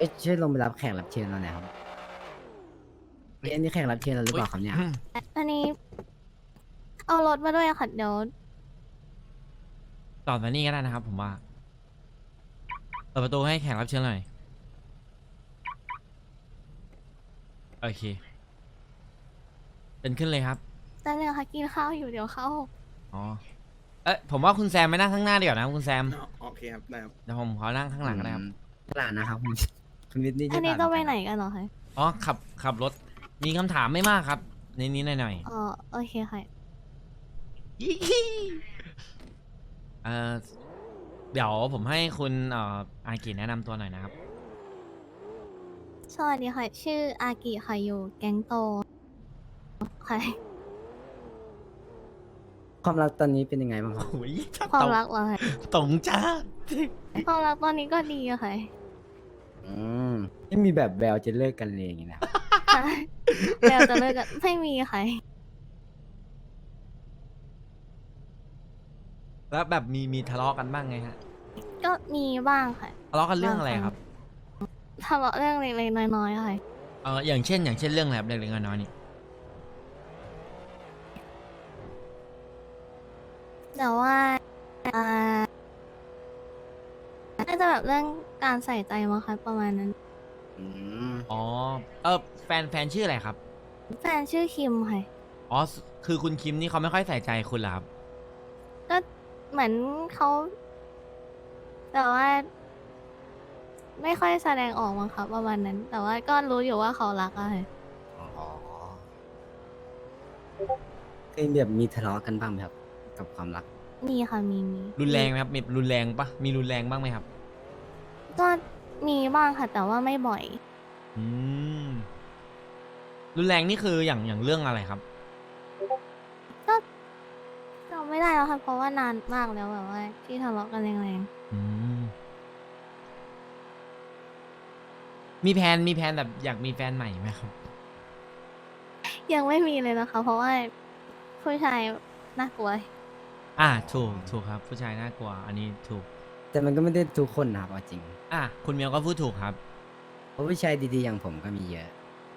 อ้ยช่วยลงไปรับแขกรับเชิญเราหน่อยครับเอ้ยอันนี้แขกรับเชิญเราหรือเปล่าครับเนี่ยอันนี้เอารถมาด้วยค่ะเดี๋ยวต่อมานี่ก็ได้นะครับผมว่าเปิดประตูให้แขกรับเชิญหน่อยโอเคเป็นขึ้นเลยครับแต่เรื่องค่ะกินข้าวอยู่เดี๋ยวเข้าอ๋อผมว่าคุณแซมไปนั่งข้างหน้าดีกว่านะคุณแซมโอเคครับได้ครับเดี๋ยวผมขอนั่งข้างหลังก็ได้ครับตลาดนะครับคุณคุณวิทย์นี่อัใช่นนี้ตลาดจะไปเหมือไหนกักันเหรอคะอ๋อขับรถมีคำถามไม่มากครับนิดๆหน่อยอ๋อโอเคค่ะๆยี่เอ่อเดี๋ยวผมให้คุณอากิแนะนำตัวหน่อยนะครับสวัสดีค่ะชื่ออากิค่ะอยู่แก๊งโตค่ะความรักตอนนี้เป็นยังไงบ้างครับโอ้ยความรักเหรอคะตรงจ้าความรักตอนนี้ก็ดีอะค่ะอืมไม่มีแบบแววจะเลิกกันเลยอย่างงี้นะครับค่ะแล้วจะเลิกกันไม่มีค่ะแล้วแบบมีทะเลาะกันบ้างไงฮะก็มีบ้างค่ะทะเลาะกันเรื่องอะไรครับทะเลาะเรื่องเล็กๆน้อยๆค่ะอย่างเช่นเรื่องอะไรครับเล็กๆน้อยๆนี่แต่ว่าอ่าน่าจะแบบเรื่องการใส่ใจมั้งคะประมาณนั้นอืมอ๋อแฟนชื่ออะไรครับแฟนชื่อคิมค่ะอ๋อคือคุณคิมนี่เขาไม่ค่อยใส่ใจคุณเหรอครับก็เหมือนเขาแต่ว่า ไม่ค่อยแสดงออกมั้งครับประมาณนั้น แต่ว่าก็รู้อยู่ว่าเขารักอะค่ะอ๋อเคยแบบมีทะเลาะกันบ้างไหมครับกับความรักมีค่ะมีรุนแรงไหมครับมีรุนแรงปะมีรุนแรงบ้างไหมครับก็มีบ้างค่ะ แต่ว่าไม่บ่อยอืมรุนแรงนี่คืออย่างเรื่องอะไรครับก็จำไม่ได้แล้วค่ะเพราะว่านานมากแล้วแบบว่าที่ทะเลาะกันแรงอืมมีแผนแบบอยากมีแฟนใหม่ไหมครับๆยังไม่มีเลยนะคะ เพราะว่าผู้ชายน่ากลัวถูกครับผู้ชายน่ากลัวอันนี้ถูกแต่มันก็ไม่ได้ทุกคนนะครับเอาจริงคุณเมียวก็พูดถูกครับเพราะผู้ชายดีๆอย่างผมก็มีเยอะ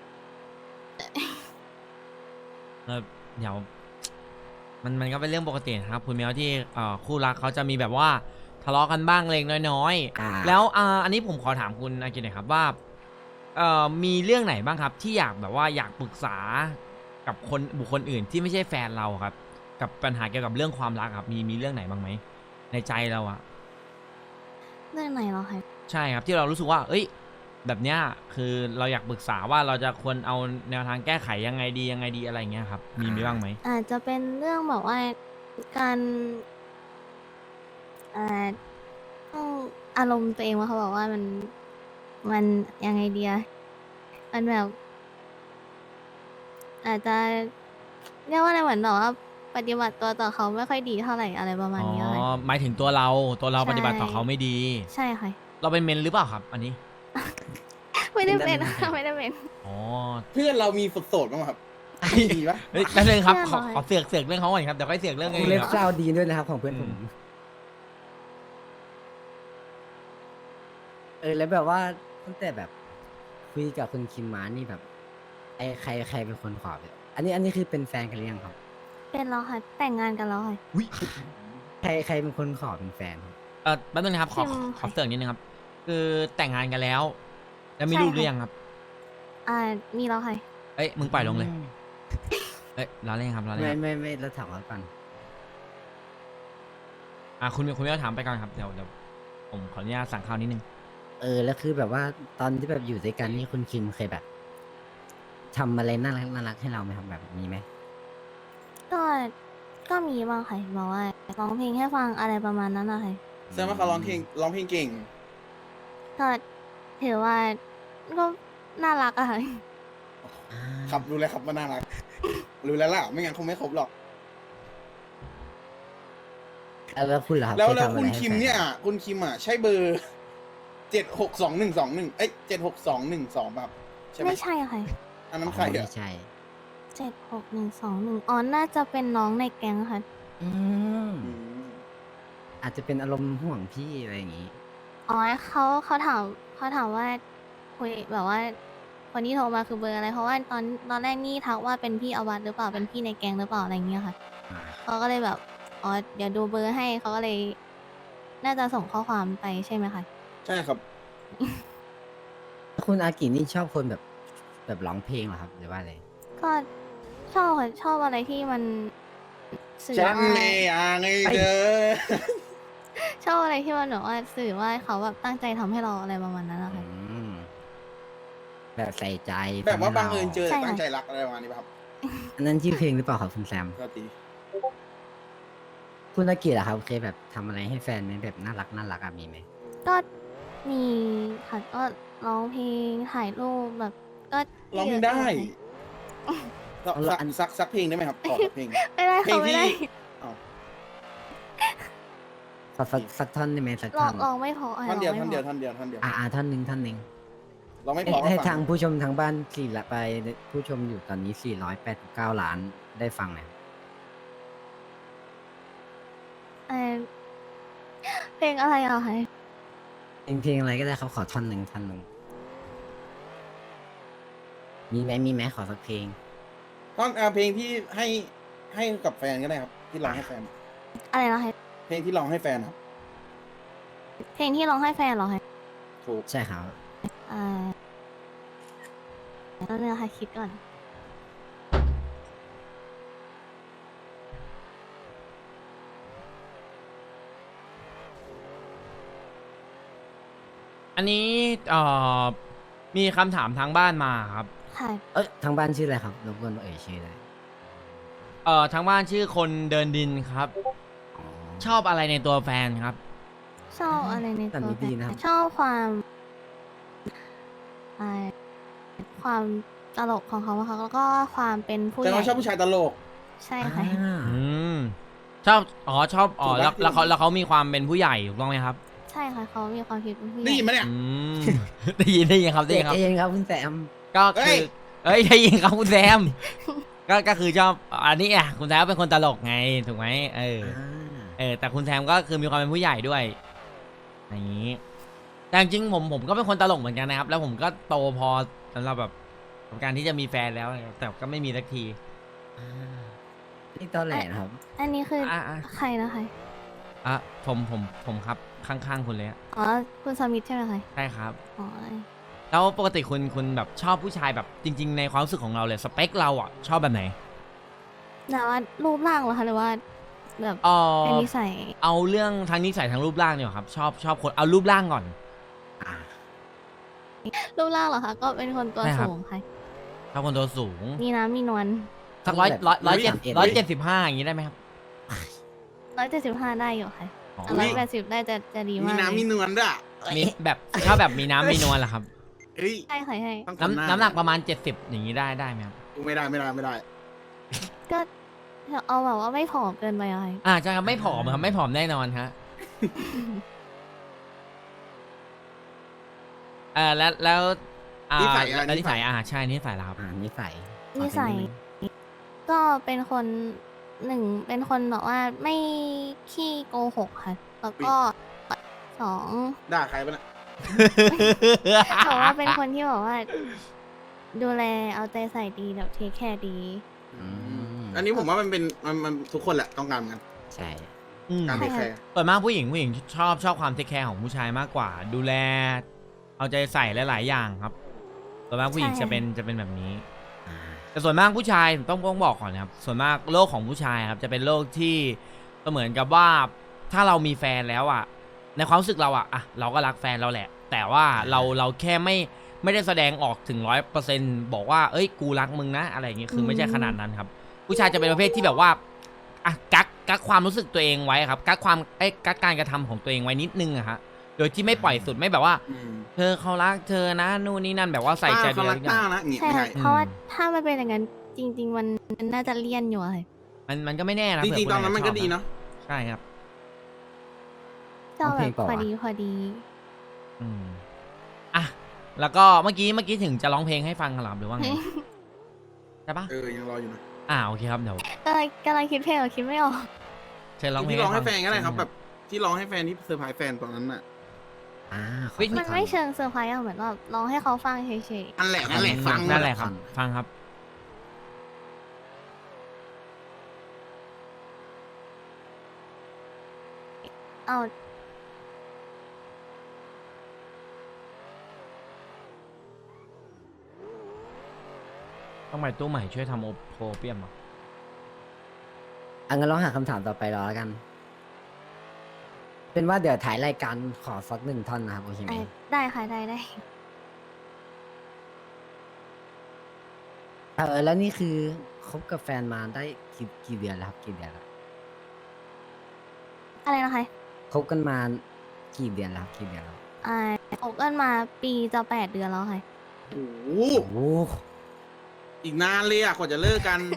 เดี๋ยวมันก็เป็นเรื่องปกตินะครับคุณเมียวที่คู่รักเขาจะมีแบบว่าทะเลาะกันบ้างเล็กน้อยอ่าแล้วอันนี้ผมขอถามคุณอากิหน่อยครับว่ามีเรื่องไหนบ้างครับที่อยากแบบว่าอยากปรึกษากับบุคคลอื่นที่ไม่ใช่แฟนเราครับ กับปัญหาเกี่ยวกับเรื่องความรักครับมีเรื่องไหนบ้างไหมในใจเราอะเรื่องไหนเหรอคะใช่ครับที่เรารู้สึกว่า เอ้ย แบบเนี้ยคือเราอยากปรึกษาว่าเราจะควรเอาแนวทางแก้ไขยังไงดีอะไรเงี้ยครับมีบ้างไหมอาจจะเป็นเรื่องแบบว่าการเอ่อต้องอารมณ์ตัวเองว่าเขาบอกว่ามันยังไงเดียมันแบบ อาจจะเรียกว่าอะไรเหมือนแบบว่าปฏิบัติตัวต่อเขาไม่ค่อยดีเท่าไหร่อะไรประมาณอ๋อนี้ค่ะหมายถึงตัวเราใช่ปฏิบัติต่อเขาไม่ดีใช่ค่ะเราเป็นเมนหรือเปล่าครับ อันนี้ไม่ได้เป็นเป็นได้ค่ะไม่ได้เป็นอ๋อเพื่อนเรามีโสดบ้างไหมครับมีปะเฮ้ยแป๊บนึงครับเชื่อหน่อยขอเสือกเรื่องเขาก่อนครับเดี๋ยวค่อยเสือกเรื่องวอื่งนเล็บครับเศร้าดีด้วยนะครับของเพื่อนผม แล้วแบบว่าตั้งแต่แบบคุยกับคุณคิมมานี่แบบ ไอ้ใครเป็นคนขอแบบอันนี้คือเป็นแฟนกันหรือยังครับเป็นแล้วค่ะ แต่งงานกันแล้วค่ะอุ๊ยใครเป็นคนขอเป็นแฟนครับแป๊บนึงนะครับขอคิมขอเสือกนิดนึงครับ คือแต่งงานกันแล้ว แล้วมีใช่ลูกหรือค่ะยังครับมีแล้วค่ะเอ้ยมึงปล่อยลงเลยเอ้ยเราเล่นครับเราเล่นครับไม่เราถามว่าก่อนคุณไม่ต้องถามไปก่อนครับเดี๋ยวผมขออนุญาตสั่งข้าวนิดนึงแล้วคือแบบว่าตอนที่แบบอยู่ด้วยกันนี่คุณคิมเคยแบบทำอะไรน่ารักให้เราไหมครับแบบมีไหมก็มีบ้างค่ะบอกว่าร้องเพลงให้ฟังอะไรประมาณนั้นนะคะแสดงว่าเขาร้องเพลงเก่งก็ถือว่าก็น่ารักอะค่ะครับรู้แล้วครับว่าน่ารักรู้แล้วล่ะไม่งั้นคงไม่ครบหรอกแล้วคุณล่ะครับแล้วเคยทำอะคุไรณให้คิมแฟเนี่ยคุณคิมอ่ะใช่เบอร์762121762112แบบใช่ไหมไม่ใช่ค่ะอันนั้นใครอ๋ออ่ะไม่ใช่ 76121อ๋อน่าจะเป็นน้องในแก๊งค่ะอืมอืมอาจจะเป็นอารมณ์ห่วงพี่อะไรอย่างงี้อ๋อเขาถามว่าคุยแบบว่า คนที่โทรมาคือเบอร์อะไร เพราะว่าตอนแรกนี่ทักว่าเป็นพี่อวัตหรือเปล่าเป็นพี่ในแก๊งหรือเปล่าอะไรอย่างเงี้ยค่ะอ่าเขาก็เลยแบบอ๋อเดี๋ยวดูเบอร์ให้เขาก็เลย น่าจะส่งข้อความไปใช่ไหมคะใช่ครับคุณอากินี่ชอบคนแบบร้องเพลงเหรอครับหรือว่าอะไรก็ชอบค่ะชอบอะไรที่มันสื่อฉันว่าไม่อยากให้เธอชอบอะไรที่มันแบบว่าสื่อว่าเขาแบบตั้งใจทำให้เราอะไรประมาณนั้นนะคะอืมแบบใส่ใจแบบว่าทำให้บังเอิญเจอใช่ค่ะตั้งใจรักอะไรประมาณนี้ป่ะครับอันนั้นชื่อเพลงหรือเปล่าครับคุณแซมก็ตีคุณอากิเหรอครับเคยแบบทำอะไรให้แฟนไหมแบบน่ารักอะมีไหมก็มีค่ะก็ร้องเพลงถ่ายรูปแบบก็ร้องเพลงเยได้อะอยู่สักเพลงได้ไหมครับขอสักเพลงไม่ได้เพลค่ะงไม่ที่ได้อ้าวสักท่อนได้ไหมสักลท่ออง นลองไม่พออ่ะท่อนเดียวลงท่อนไม่เดียวพอท่อนเดียวท่อนเดียวท่อนหนึ่งเราไม่ให้พอก็ให้ฟัทางผู้ชมทางบ้านผู้ชมอยู่ตอนนี้489 ล้านได้ฟังหน่อยเอ่อเพลงอะไรอ่ะคะเพลงอะไรก็ได้ครับขอท่อนหนึ่งมีไหมขอสักเพลงท่อนเพลงที่ให้กับแฟนก็ได้ครับ ที่ร้องให้แฟนอะไรนะคะเพลงที่ร้องให้แฟนครับเพลงที่ร้องให้แฟนเหรอคะถูกใช่ครับอ่าแล้วเนี่ยค่ะคิดก่อนอันนี้มีคำถามทางบ้านมาครับค่ะทางบ้านชื่ออะไรครับรบกวนเอ่ยชื่อได้ทางบ้านชื่อคนเดินดินครับอ๋อชอบอะไรในตัวแฟนครับชอบอะไรในแต่ตัวมีแฟดีนนะครับชอบความอ่าความตลกของเขาอะค่ะแล้วก็ความเป็นผู้ใหแต่ญ่เราชอบผู้ชายตลกใช่ค่ะอืมชอบชอบถูกปะแล้วเขามีความเป็นผู้ใหญ่ถูกต้องไหมครับใช่ค่ะเขามีความคิดเป็นผู้ใหญ่ได้ยินไหมเนี่ยอืม ได้ยินครับเด็กเองครับคุณแซมก็เอ้คืยอได้ยินครับคุณแซม ก็คือชอบอันนี้อ่ะคุณแซมเป็นคนตลกไงถูกไหมแต่คุณแซมก็คือมีความเป็นผู้ใหญ่ด้วยอย่างนี้แต่จริงๆผมก็เป็นคนตลกเหมือนกันนะครับ แล้วผมก็โตพอสำหรับแบบกับการที่จะมีแฟนแล้วแต่ก็ไม่มีสักทีนี่ตอนแหลนะครับอันนี้คืออ่ะใครนะคะอ่ะผมครับข้างๆคุณเลยอะอ๋อคุณสมิธใช่ไหมคะใช่ครับอ๋อแล้วปกติคุณแบบชอบผู้ชายแบบจริง ๆ ในความรู้สึกของเราเลยสเปคเราอ่ะชอบแบบไหนแต่ว่ารูปร่างเหรอคะหรือว่าแบบ เป็นนิสัยเอาเรื่องทางนิสัยทางรูปร่างเนี่ยครับชอบคนเอารูปร่างก่อนอ่ารูปร่างเหรอคะก็เป็นคนตัวใช่ครับสูงค่ะชอบคนตัวสูงมีน้ำมีนวลสักแบบ 175อย่างนี้ได้ไหมครับ 175ได้อยู่ค่ะอ๋อ 180ได้จะดีมีมากน้ำมีเลยนวลด้วยมีแบบชอบแบบมีน้ำมีนวลเหรอครับเอ้ยใช่ค่ะใช่ต้องคนาน้ำหนักประมาณ70อย่างนี้ได้ไหมครับไม่ได้ก็เอาแบบว่าไม่ผอมเกินไปอะค่ะใช่ครับไม่ผอมครับไม่ผอมแน่นอนฮะแล้วนิสัยอะแล้วนิสัยใช่นิสัยแล้วครับนิสัยนิสัยก็เป็นคนเป็นคนแบบว่าไม่ขี้โกหกค่ะ แล้วก็สองด่าใครปะเนี่ยบอกว่าเป็นคนที่แบบว่า ดูแลเอาใจใส่ดีแบบเทคแคร์ดีอันนี้ผมว่ามันเป็นมันทุกคนแหละต้องการกันใช่การใช่เทคแคค่ะร์ส่วนมากผู้หญิงชอบความเทคแคร์ของผู้ชายมากกว่า ดูแล เอาใจใส่หลายๆอย่างครับส่วนมากผู้หญิงจะเป็นแบบนี้ แต่ส่วนมากผู้ชายต้องบอกก่อนนะครับส่วนมากโลกของผู้ชายครับจะเป็นโลกที่ก็เหมือนกับว่าถ้าเรามีแฟนแล้วอ่ะในความรู้สึกเราอ่ะเราก็รักแฟนเราแหละ แต่ว่าเราแค่ไม่ได้แสดงออกถึง100%บอกว่าเอ้ยกูรักมึงนะอะไรอย่างเงี้ยคือไม่ใช่ขนาดนั้นครับ ผู้ชายจะเป็นประเภทที่แบบว่ากักความรู้สึกตัวเองไว้ครับกักการกระทำของตัวเองไว้นิดนึงอะฮะโดยที่ไม่ปล่อยสุดไม่แบบว่า เธอเขารักเธอนะนู่นนี่นั่นแบบว่าใส่ใจเขาดูแลรักทุกอต้าย่างนะอย่างงี้ใช่ไม่ค่ะใช่เพราะว่าถ้ามันเป็นอย่างนั้นจริง ๆ มันน่าจะเลี่ยนอยู่อะค่ะมันก็ไม่แน่นะจเผื่ริงๆคตอนนั้นมันก็าจจะชอบดีเนาะใช่ครับชอบแบบพอดีอืมอ่ะแล้วก็เมื่อกี้ถึงจะร้องเพลงให้ฟังครับหรือว่าไงใช่ปะยังรออยู่นะโอเคครับเดี๋ยวกำลังคิดเพลงคิดไม่ออกเชิญร้องเพลงที่ร้องให้ฟัแฟนก็ได้ครับเชิญแบบที่ร้องให้แฟนที่เซอร์ไพรส์แฟนตอนนั้นน่ะขอเฮ้ยสักมันท่อไม่เชิงเซอร์ไพรส์อะเหมือนแบบร้องให้เขาฟังเฉยนั่นแหละนั่นแหละฟังนั่นแหละครับ ฟังครับๆเอาต้องไปตู้ใหม่ช่วยทำโอเปียมอ่ะงั้นลองหาคำถามต่อไปรอแล้วกัน เป็นว่าเดี๋ยวถ่ายรายการขอสัก1 ท่อนนะครับโอเคไหมได้ค่ะได้แล้วนี่คือคบกับแฟนมาได้กี่เดือนแล้วครับกี่เดือนแล้วอะไรนะคะคบกันมากี่เดือนแล้วครับกี่เดือนแล้วคบกันมาปีจะ8 เดือนแล้วค่ะโอ้โหโอ้โหอีกนานเลยอ่ะกว่าจะเลิกกัน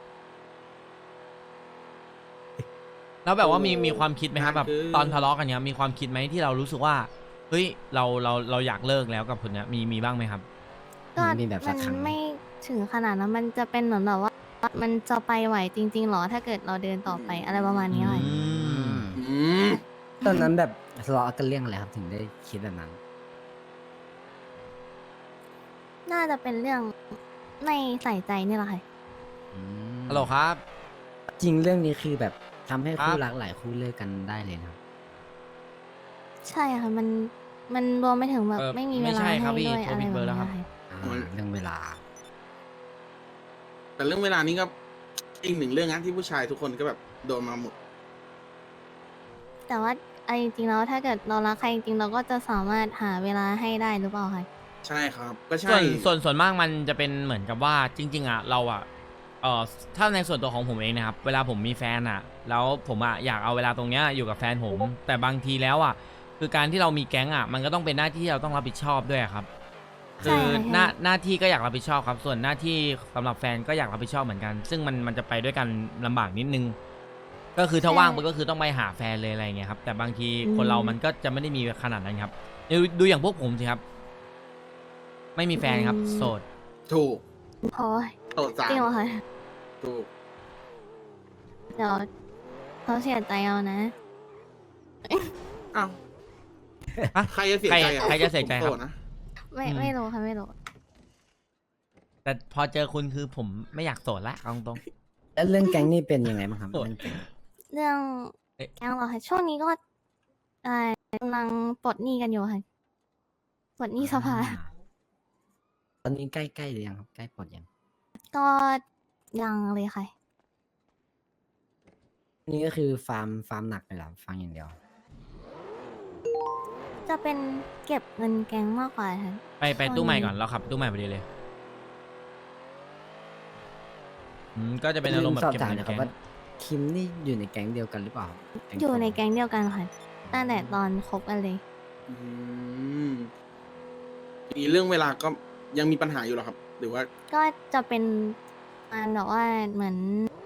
แล้วแบบว่ามีโอ้มีความคิดไหมครับแบบคือตอนทะเลาะกันเนี้ยมีความคิดไหมที่เรารู้สึกว่าเฮ้ยเราอยากเลิกแล้วกับคนเนี้ยมีบ้างไหมครับก็มีแบบสัมักครั้งไหมไม่ถึงขนาดนั้นมันจะเป็นเหมือนแบบว่า มันจะไปไหวจริงๆหรอถ้าเกิดเราเดินต่อไปอะไรประมาณนี้ค่ะอืมอืมตอนนั้นแบบทะเลาะกันเรื่องอะไรครับถึงได้คิดแบบนั้นน่าจะเป็นเรื่องไม่ใส่ใจนี่แหละค่ะอืมฮัลโหลครับจริงเรื่องนี้คือแบบทำให้ครัคู่บรักหลายคู่เลิกกันได้เลยนะครับใช่ค่ะมันรวมไปถึงแบบไม่มีเวไม่ลาใช่ให้ครับพี่ด้วยโทรอะไรผิดแบเบบ อร์แล้วนี้ครับค่ะเรื่องเวลาแต่เรื่องเวลานี้ก็อีกหนึ่งเรื่องนะที่ผู้ชายทุกคนก็แบบโดนมาหมดแต่ว่าเอาจริงๆแล้วถ้าเกิดเรารักใครจริงๆเราก็จะสามารถหาเวลาให้ได้หรือเปล่าคะใช่ครับ ก็ใช่ส่วนมากมันจะเป็นเหมือนกับว่าจริง ๆอ่ะเราอ่ะถ้าในส่วนตัวของผมเองนะครับเวลาผมมีแฟนอ่ะ แล้วผมอ่ะอยากเอาเวลาตรงเนี้ยอยู่กับแฟนผม แต่บางทีแล้วอ่ะคือการที่เรามีแก๊งอ่ะมันก็ต้องเป็นหน้าที่ที่เราต้องรับผิดชอบด้วยครับใช่คือค่ะหน้าที่ก็อยากรับผิดชอบครับ ส่วนหน้าที่สำหรับแฟนก็อยากรับผิดชอบเหมือนกัน ซึ่งมันจะไปด้วยกันลำบากนิดนึง ก็คือถ้าว่างมันก็คือต้องไปหาแฟนเลยอะไรอย่างเงี้ยครับ แต่บางทีคนเรามันก็จะไม่ได้มีขนาดนั้นครับดูอย่างพวกผมสิครับ ไม่มีแฟนครับ โสดถูกโอ้ยโตสาจริงเหรมอคะถูกเดี๋ยวเขาเสียใจเอานะอ้าวฮะใครจะเสียใจอ่ะใครจะเสียใจครับผมโสดนะไม่รู้ค่ะไม่รู้แต่พอเจอคุณคือผมไม่อยากโสดละเอาตรงแล้วเรื่องแก๊งนี่เป็นยังไงบ้างครับโอ้ยเรื่องแก๊งเรื่องเอ๊ะแกงเหรอคะช่วงนี้ก็กำลังปลดหนี้กันอยู่ค่ะปลดหนี้สภาตอนนี้ใกล้ๆหรือยังครับใกล้ปลดยังก็ยังเลยค่ะนี่ก็คือฟาร์มหนักเลยเหรอฟาร์มอย่างเดียวจะเป็นเก็บเงินแกงมากกว่าค่ะไปตู้ใหม่ก่อนเราขับตู้ใหม่พอดีเลยก็จะเป็นอารมณ์แบบสอบเก็บถามเงินนะครับแก๊งว่าคิมนี่อยู่ในแก๊งเดียวกันหรือเปล่าอยู่ในแก๊งเดียวกันค่ะตั้งแต่ตอนคบกันเลยอืมมีเรื่องเวลาก็ยังมีปัญหาอยู่เหรอครับ หรือว่าก็จะเป็นการแบบว่าเหมือน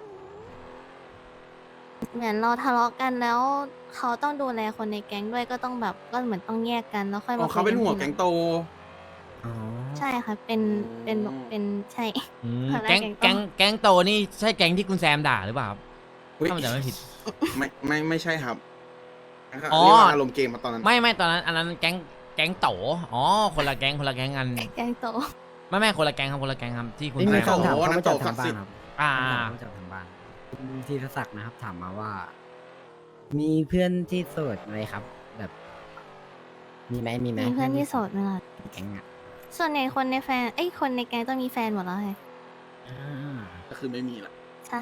เราทะเลาะกันแล้วเขาต้องดูแลคนในแก๊งด้วยก็ต้องแบบก็เหมือนต้องแยกกันแล้วค่อยอ๋อมาเขาเป็นหัวคุยแก๊กังนทีหลัโตอ๋อใช่ค่ะเป็นใช่ หัวหน้าแก๊งแก๊งแก๊งโตนี่ใช่แก๊งที่คุณแซมด่าหรือเปล่าครับอุ๊ยถ้ามันจะไม่ผิดไม่ใช่ครับอ๋อเรียกว่าอารมณ์เกมมาตอนนั้นไม่ตอนนั้นอันนั้นแก๊งโตอ๋อคนละแก๊งกันแก๊งโตไม่คนละแก๊งครับที่คุณนี่แซมีมคำถามโอ้เข้ามาจากน้ำตกทางบ้านศักดิ์สิทธิ์ครับอ่าคำถามเข้ามาจากทางบ้านคุณธีรศักดิ์นะครับ ถามมาว่า มีเพื่อนที่โสดไหมครับ แบบ มีไหมมีเพื่อนที่โสดไหมล่ะแก๊งอ่ะส่วนใหญ่คนในแฟนคนในแก๊งต้องมีแฟนหมดแล้วค่ะอ่าก็คือไม่มีละใช่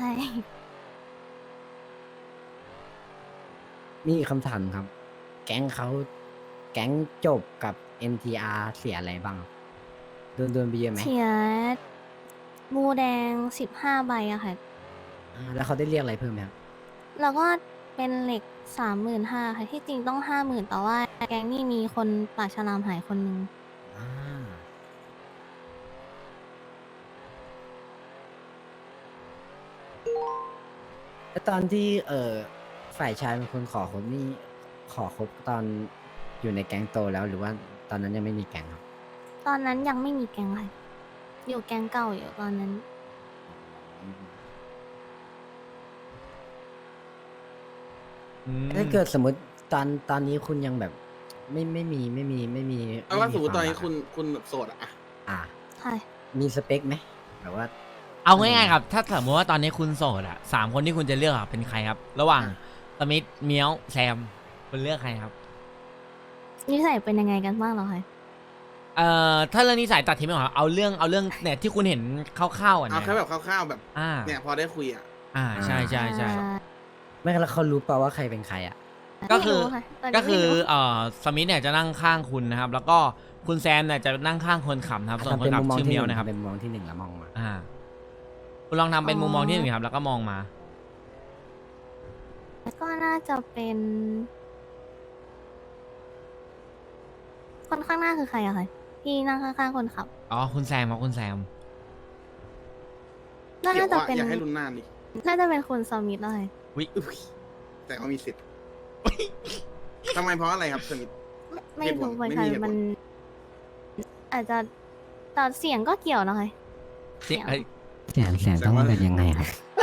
มีอีกคำถามครับ แก๊งจบกับ NTR เสียอะไรบ้างครับโดนไปเยอะไหมเสียบูแดง15 ใบอะค่ะแล้วเขาได้เรียกอะไรเพิ่มไหมครับแล้วก็เป็นเหล็ก35,000ค่ะ ที่จริงต้อง 50,000แต่ว่าแก๊งนี่มีคนปากฉลามหายคนนึงอ่าแล้วตอนที่ฝ่ายชายเป็นคนขอคบนี่ขอคบตอนอยู่ในแก๊งโตแล้วหรือว่าตอนนั้นยังไม่มีแก๊งครับตอนนั้นยังไม่มีแก๊งค่ะ อยู่แก๊งเก่าอยู่ตอนนั้นอืมถ้าเกิดสมมติตอนนี้คุณยังแบบไม่มีเอาว่าสมมติตอนนี้วามรักคุณโสดอะอ่ะใช่มีสเปคไหมแบบว่าเอาง่ายๆครับ ถ้าสมมติว่าตอนนี้คุณโสดอะ3 คนที่คุณจะเลือกอะเป็นใครครับ ระหว่างสมิธเมียวแซมคุณเลือกใครครับนิสัยเป็นยังไงกันบ้างเหรอคะถ้าเรื่องนิสัยตัดทิ้งไปก่อนเอาเรื่องเนี่ยที่คุณเห็นคร่าวๆอ่ะเอานะแค่แบบคร่าวๆแบบอ่าเนี่ยพอได้คุยอะใช่ใช่ใช่ไม่แล้วเขารู้เปล่าว่าใครเป็นใครอ่ะก็คือไม่รู้ะตนนี้ก็คือไม่รู้สมิธเนี่ยจะนั่งข้างคุณนะครับ แล้วก็คุณแซมเนี่ยจะนั่งข้างคนขับนะครับส่วนคนขับชื่อเมียวนะครับเป็นมุมมองที่หนึ่งแล้วมองมาคุณลองทำเป็นมุมมองที่หนึ่งครับแล้วก็มองมาก็น่าจะเป็นคนข้างหน้าคือใครอะคะที่นั่งข้างๆคนขับอ๋อคุณแซมครับคุณแซมน่าเกี่ยวจะว่าเป็นอยากให้รุ่นหน้าดิน่าจะเป็นคุณสมิธเลยอุ๊ยแต่ว่ามีสิทธิ์ทำไมเพราะอะไรครับสมิธไม่เหตุผลรู้เหมือนไม่กันมีเหตุผลมัน อาจจะแต่เสียงก็เกี่ยวนะคะเสียงเอ้ยแสนต้องเป็นยังไงครับ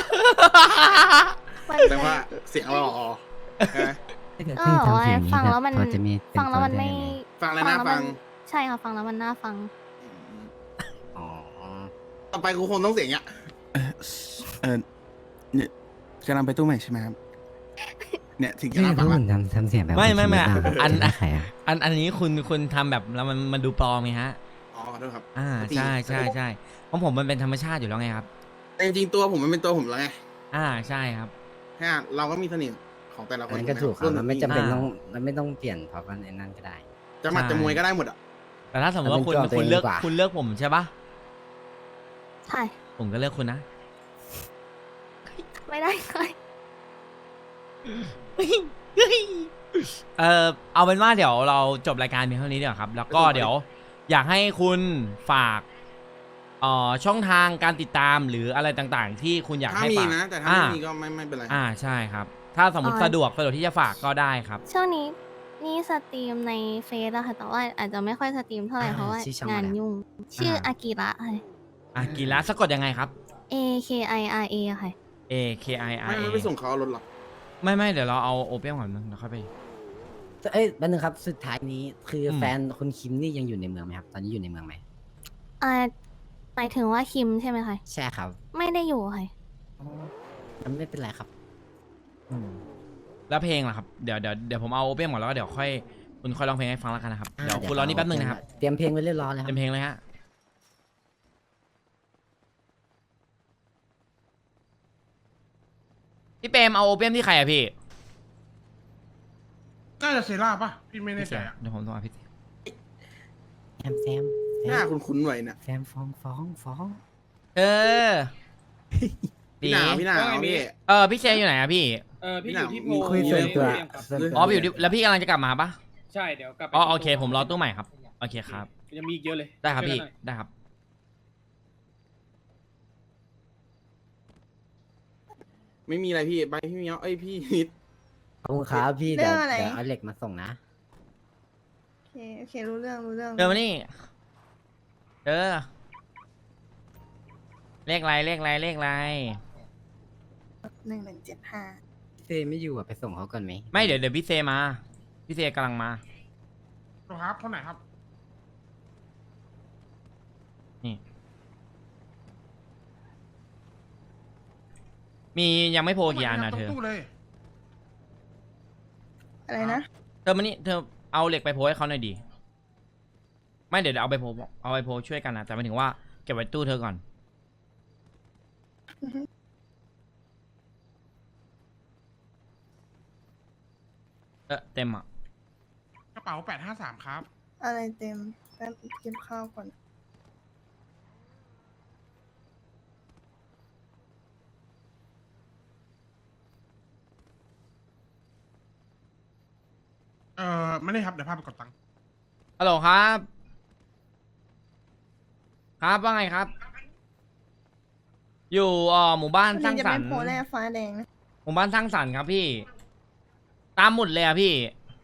มันแต่ว่าเสียงเราอ๋อใช่ไหมก็บอกว่าฟังแล้วมันพอจะมีเป็นฟังแล้วมันตัวไม่ได้ยังไงฟังแล้วน่าฟังใช่ค่ะฟังแล้วมันน่าฟังอ๋อต่อไปกูคงต้องเสียงเงี้ยเนี่ยกำลังไปตู้ใหม่ใช่ไหมครับ เนี่ยถึงจะใช่น่าเพฟังราะอะผมทำเสียงแบบไม่อันใครอ่ะอันนี้คุณทำแบบแล้วมันดูปลอมไงฮะอ๋อขอโทษครับใช่ใช่ใช่ของผมมันเป็นธรรมชาติอยู่แล้วไงครับแต่จริงๆตัวผมมันเป็นตัวผมแล้วไงใช่ครับแค่เราก็มีเสน่ห์ของแต่ละคอันนนั้นก็ถูกครับรุ่นมันไม่จำเป็นอ่าต้องมันไม่ต้องเปลี่ยนเพราะว่าในนั้นก็ได้จะหมัดจะมวยก็ได้หมดอ่ะแต่ถ้าสมมติว่าคุณเอาเป็นตัวคุณเลือกเองดีกว่าคุณเลือกผมใช่ปะใช่ผมก็เลือกคุณนะไม่ได้เลยเอาเป็นว่าเดี๋ยวเราจบรายการเพียงเท่านี้เดี๋ยวาครับ แล้วก็เดี๋ยวอยากให้คุณฝากช่องทางการติดตามหรืออะไรต่างๆ ที่คุณอยากถ้าให้มีฝากนะ แต่ถ้าไม่มีก็ไม่เป็นไรใช่ครับ ถ้าสมมติสะดวกที่จะฝากก็ได้ครับช่วงนี้นี่สตรีมในเฟซอะค่ะแต่ว่าอาจจะไม่ค่อยสตรีมเท่าไหร่เพราะว่าชื่อช่องงานอะไรยุ่ง ชื่ออากิระค่ะกีฬาสะกดยังไงครับ A K I R A ค่ะ A K I R ไม่ A ไปส่งเขาเอารถหรอกไม่เดี๋ยวเราเอาโอเปียมก่อนนึงแล้วค่อยไปเอ้ยแป๊บนึงครับสุดท้ายนี้คืออมแฟนคุณคิมนี่ยังอยู่ในเมืองไหมครับ ตอนนี้อยู่ในเมืองไหมหมายถึงว่าคิมใช่ไหมคะใช่ครับไม่ได้อยู่ค่ะมันไม่เป็นไรครับแล้วเพลงล่ะครับเดี๋ยวผมเอาโอเปียมก่อนแล้วก็เดี๋ยวค่อยคุณค่อยร้องเพลงให้ฟังแล้วกันนะครับเดี๋ยวคุณรอนี่แป๊บนึงนะครับเตรียมเพลงไว้เรียบร้อยแล้วคเต็รับมเพลงเลยฮะพี่เปรมเอาโอเปียมที่ใครอะพี่น่าจะเซราป่ะ พี่ไม่แน่ใจอะเดี๋ยวผมต้องเอาพี่แซมหน้าคุ้นๆไว้นะแซมฟ้องเออพี่หนาวพี่หนาวพี่พี่เชยอยู่ไหนอะพี่พี่อยู่ที่โพคุยส่วนตัวครับส่วนตัวอ๋ออยู่ที่แล้วพี่กำลังจะกลับมาปะใช่เดี๋ยวกลับไปอ๋อโอเคผมรอตู้ใหม่ครับโอเคครับยังมีอีกเยอะเลยได้ครับช่วยพี่กันหน่อยได้ครับไม่มีอะไรพี่ไปพี่เมียวพี่นิดขอบคุณครับพี่เรื่เดี๋ยอวงอะไรเอาเหล็กมาส่งนะโอเค รู้เรื่องเดินมานี่เลขอะไร 1175 เซไม่อยู่อ่ะไปส่งเขาก่อนไหมไม่เดี๋ยวพี่เซมาพี่เซกำลังมาครับเท่าไหร่ครับนี่มียังไม่โพลกี่อันนะเธอตรงตู้เลยอะไรนะเธอมานี่เธอเอาเหล็กไปโพลให้เขาหน่อยดีไม่เดี๋ยวเอาไปโพลช่วยกันนะแต่หมายถึงว่าเก็บไว้ตู้เธอก่อนอือฮึเต็มอ่ะกระเป๋า 853 ครับอะไรเต็มแป๊บเก็บข้าวก่อนไม่ได้ครับ เดี๋ยวพาไปกดตังค์ฮัลโหลครับ ครับว่าไงครับ อยู่หมู่บ้านวันสร้านี้งจะสรเป็รนค์โพแร่ฟ้าแดงนะหมู่บ้านสร้างสรรค์ครับพี่ ตามหมุดเลยอะพี่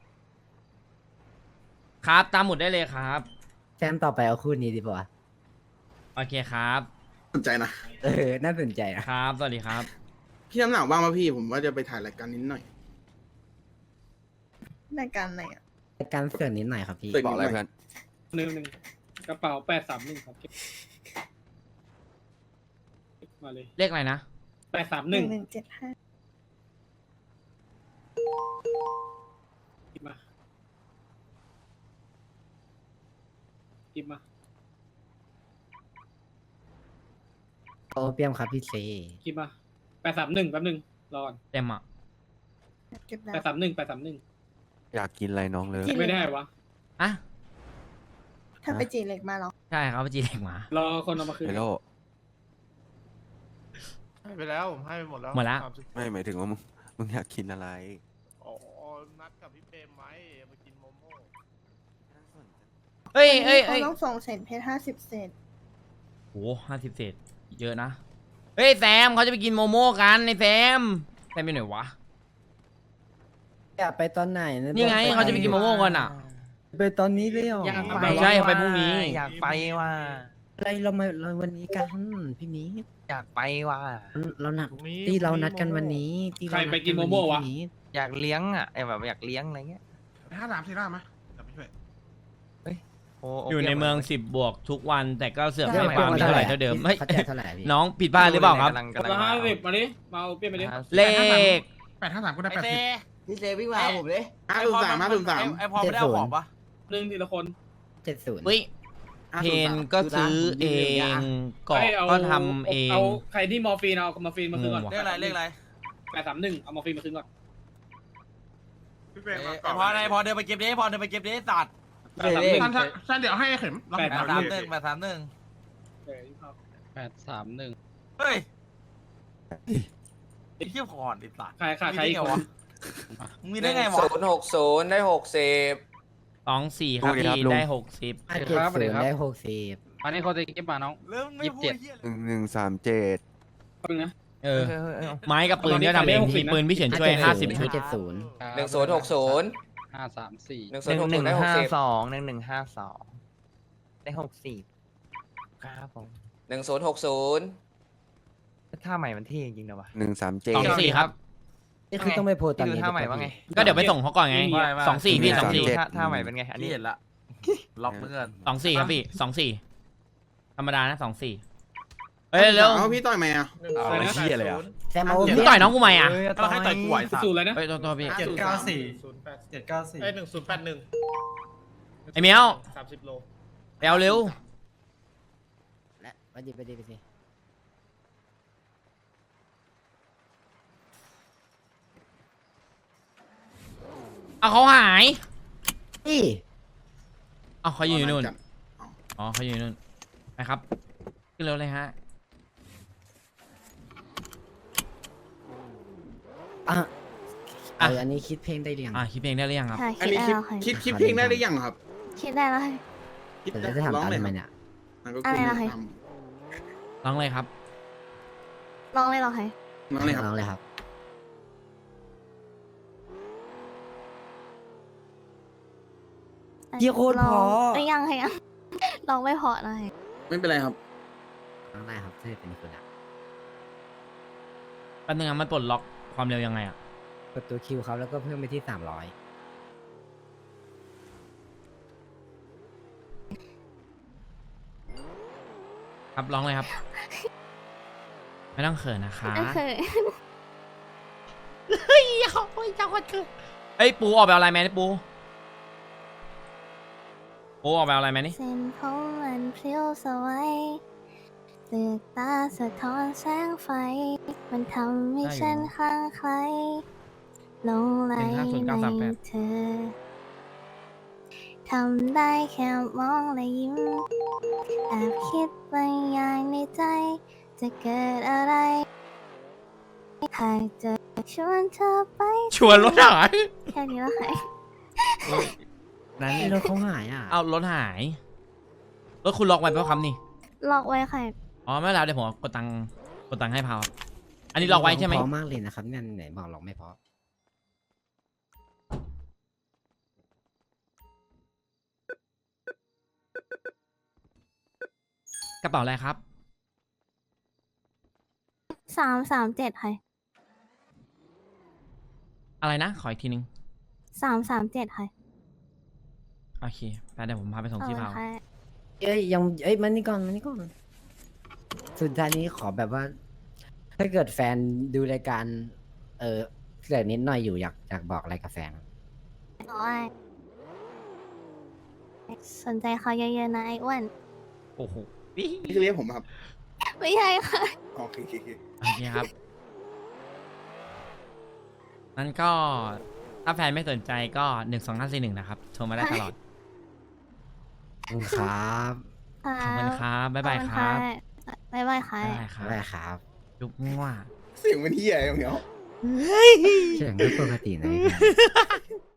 ครับตามหมุดได้เลยครับแซมต่อไปเอาคู่นี้ดีป่ะโอเคครับสนใจนะน่าสนใจนะครับสวัสดีครับพี่น้ำหนาวบ้างป่ะพี่ผมว่าจะไปถ่ายรายการนิดหน่อยรายการไหนอ่ะในการเสือกนิดหน่อยครับพี่เสือกบอกอะไรเพื่อนหนึ่งกระเป๋า831ครับมาเลยเลขอะไรนะ 831 1175 กิบมากิบมาโอเปียมครับพี่เซกิบมา831แป๊บนึงรอก่อนเต็มอ่ะเก็บแล้ว 831 อยากกินอะไรน้องเลยไม่ได้วะอ่ะถ้าไปจีเหล็กมาเหรอใช่ครับจีเด็กหมารอคนเอามาคืนเฮลโลให้ไปแล้วผมให้ไปหมดแล้วหมดละไม่หมายถึงว่ามึงอยากกินอะไรอ๋อนัดกับพี่เปรมไว้มากินโมโม่เอ้ยเขาต้องส่งเศษเพชร50 เศษโห50 เศษ เยอะนะ เฮ้ยแซมเขาจะไปกินโมโม่กันในแซมไปไหนวะอยากไปตอนไหนนี่ไงเขาจะไปกินโมโม่กันอ่ะไปตอนนี้เลยเหรอไม่ใช่ไปพรุ่งนี้อยากไปว่ะอะไรเราวันนี้กันพี่มิ้งอยากไปว่ะเรานัดที่เรานัดกันวันนี้ที่ใครเราไปนัดกินโมโม่วะพี่มิ้งอยากเลี้ยงอ่ะไอแบบอยากเลี้ยงอะไรเงี้ย 53ซีร่าไหมเดี๋ยวไปช่วยโอ้อยู่ในเมือง 10 บวกทุกวันแต่ก็เสือกให้ไม่ฟาร์มมีเท่าไหร่เท่าเดิมไม่เขาจ่ายเท่าไหร่พี่น้องผิดพลาดหรือเปล่าครับกำลังละมา 50มาดิมาเอาเปลี่ยนไปดิเลข 853ก็ได้80 พี่เซวิ่งมาหาผมเลย 503 ไอพอไม่ได้เอาของปะหนึ่งทีละคน 70 เฮ้ยเพนก็ซื้อเองเกาะให้เอาก็ทำเองเอาใครที่มอร์ฟีนเอามอร์ฟีนมาคืนก่อนงงว่ะเลขอะไรเลขอะไร 831เอามอร์ฟีนมาคืนก่อนพี่เปรมมาไอพอไอพอเดินไปเก็บดิพอเดินไปเก็บดิสัตว์ท่านเดี๋ยวให้เข็มเรา 831 เดี๋ยวยี่สิบห้า 831เฮ้ยไอ้เหี้ยผ่อนไอ้สัตว์ใครอีกคนมึงมีได้ไงวะ 060ได้60 24ครับพี่ได้60 570ได้60 อันนี้เขาจะเก็บมาน้องแล้วมึงไม่พูดเหี้ยเลย 1137 แป๊บนึงนะเออไม้กับปืนก็ทำเองพี่ปืนพี่เฉินช่วย50 ชุด 570 1060 1152 ได้60ครับผม 1060 ท่าใหม่มันเท่จริงๆนะวะ 137 24ครับนี่คือต้องไปโพสต์ตอนดูนี้ท่าใหม่ว่าไงก็เดี๋ยวไปส่งเขาก่อนไง24พี่ท่าใหม่เป็นไงอันนี่นี้เห็นละล็อกเพื่อน 24ครับพี่24ธรรมดานะ24เอ้ยเร็วเอาพี่ต่อยไหมอ่ะเอาไอ้เหี้ยเลยอ่ะแซมเอามึงต่อยน้องกูไหมอ่ะก็ให้ต่อยกูไหวสัตว์สูตรเลยนะเฮ้ยตัวพี่ 794 ไอ้เมียว 30 โลไปเอาเร็วและไปดิเอาเขาหายนี่เอาเขาอยู่นู่นอ๋อเขาอยู่นู่นไปครับขึ้นเร็วเลยฮะอ่ะอ่ะอันนี้คิดเพลงได้หรือยังคิดเพลงได้หรือยังครับค่ะอันคิดนี้ได้แล้วค่ะคิดเพลงได้หรือยังครับคิดได้แล้วค่ะคิดแต่จะถามร้องตามเลยทำคไมรับเนี่ยอะไรนะคะร้องเลยครับลองเลยเหรอคะร้องเลยครับน้องเลยครับ เดี๋ยวโคตรลองเพราะเอ้ยยังค่ะยัง ลองไม่เพอเลยไม่เป็นไรครับน้องได้ครับถ้าเป็นคุณอะแป๊บนึงมันปลดล็อกความเร็วยังไงอ่ะกดตัวคิวเขาแล้วก็เพิ่มไปที่300 ครับร้องเลยครับ ไม่ต้องเขินนะคะก็คือเฮ้ยเขาเฮ้ยจังหวัดเกิดเอ้ยปูออกไปเอาอะไรแมนปูออกไปเอาอะไรแมนนี่เส้นผมมันเพลี้ยวสวัยเปลือกตาสะท้อนแสงไฟ มันทำให้ฉันคลั่งไคล้หลงไหลในเธอ ทำได้แค่มองและยิ้ม แอบคิดบางอย่างในใจ จะเกิดอะไรหากจะชวนเธอไปชวนรถหายแค่นี้แล้วค่ะนั้นรถเขาหายอ่ะเอารถหายรถคุณล็อกไว้เปล่าครับนี่ล็อกไว้ค่ะอ๋อไม่เป็นไรเดี๋ยวผมกดตังค์ให้พาวครับอันนี้ล็อกไว้ใช่ไหมเพราะมากเลยนะครับเนี่ยไหนบอกล็อกไม่เพราะกระเป๋าอะไรครับ 337ค่ะอะไรนะขออีกทีนึง 337ค่ะโอเคไปเดี๋ยวผมพาไปส่งที่พาวค่ะเอ้ยยังเอ้ยมานี่ก่อนสุดท้ายนี้ขอแบบว่า ถ้าเกิดแฟนดูรายการ เสือกนิดหน่อยอยู่อยากบอกอะไรกับแฟนโอ้ยสนใจเขาเยอะๆนะไอ้อ้วนโอ้โหนี่คือเรียกผมครับไม่ใช่ค่ะโอเคโอเคครับนั้นก็ถ้าแฟนไม่สนใจก็12541นะครับโทรมาได้ตลอดขอบคุณครับขอบคุณครับบ๊ายบายครับบ๊ายบายค่ะบ๊ายบายครับได้ครับจุ๊บมั่วเสียงมันเฮียอย่างเงี้ยเสียงก็ปกตินะ